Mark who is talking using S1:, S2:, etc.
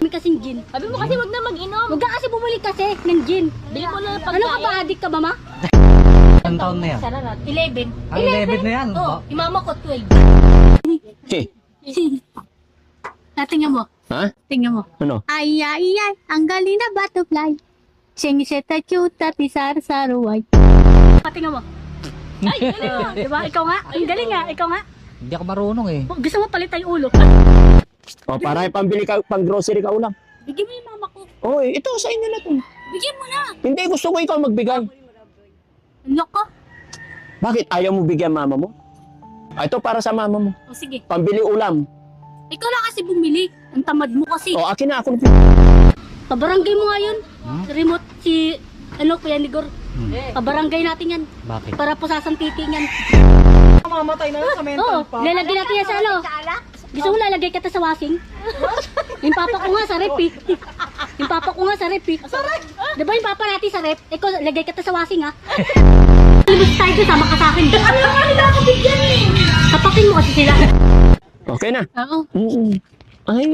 S1: kasing gin.
S2: Sabi mo kasi wag na mag-inom.
S1: Huwag ka kasi bumili kasi ng gin.
S2: Bili mo na ng
S1: Ano ka
S2: pagkain.
S1: ba, adik ka ba, ma?
S3: Ilang taon na yan?
S2: 11.
S3: Ang 11 na yan.
S2: Oh, imama ko 12.
S1: Tingnan mo.
S4: Ha?
S1: Tingnan mo.
S4: Ano?
S1: Ay, ay, ay, ang galing na butterfly. Sing seta cute at isar-saruay. Patingnan mo.
S2: Ay, galing mo.
S1: Diba? Ikaw nga. Ang galing nga. Ikaw nga.
S3: Hindi ako marunong eh.
S1: Gusto mo palitan yung ulo.
S4: O, para pambili ka, pang grocery ka ulam.
S1: Bigyan mo yung mama ko.
S4: Oy, ito sa inyo na to.
S1: Bigyan mo na.
S4: Hindi, gusto ko ikaw magbigay.
S1: Ano ka?
S4: Bakit ayaw mo bigyan mama mo? Ito para sa mama mo.
S1: O sige.
S4: Pambili ulam.
S1: Ikaw lang kasi bumili. Ang tamad mo kasi.
S4: O, akin na ako.
S1: Pabarangay mo nga yun. Remote si, Kuya Nigor. Pabarangay natin yan.
S3: Bakit?
S1: Para pusasang titi yan.
S3: Mamatay na sa
S1: Oo, lalagay natin yan sa ano. Gusto mo lalagay kita sa washing? Yung papa ko nga sa rep eh. Yung papa ko nga sa rep eh. Di ba yung papa natin sa rep? Ikaw, lagay kita sa washing ha? Ibig tayo doon, sama ka sa akin. Ano nga nila ako bigyan eh? Tapakin mo kasi sila.
S4: Okay na.
S1: Oo.
S4: Ay,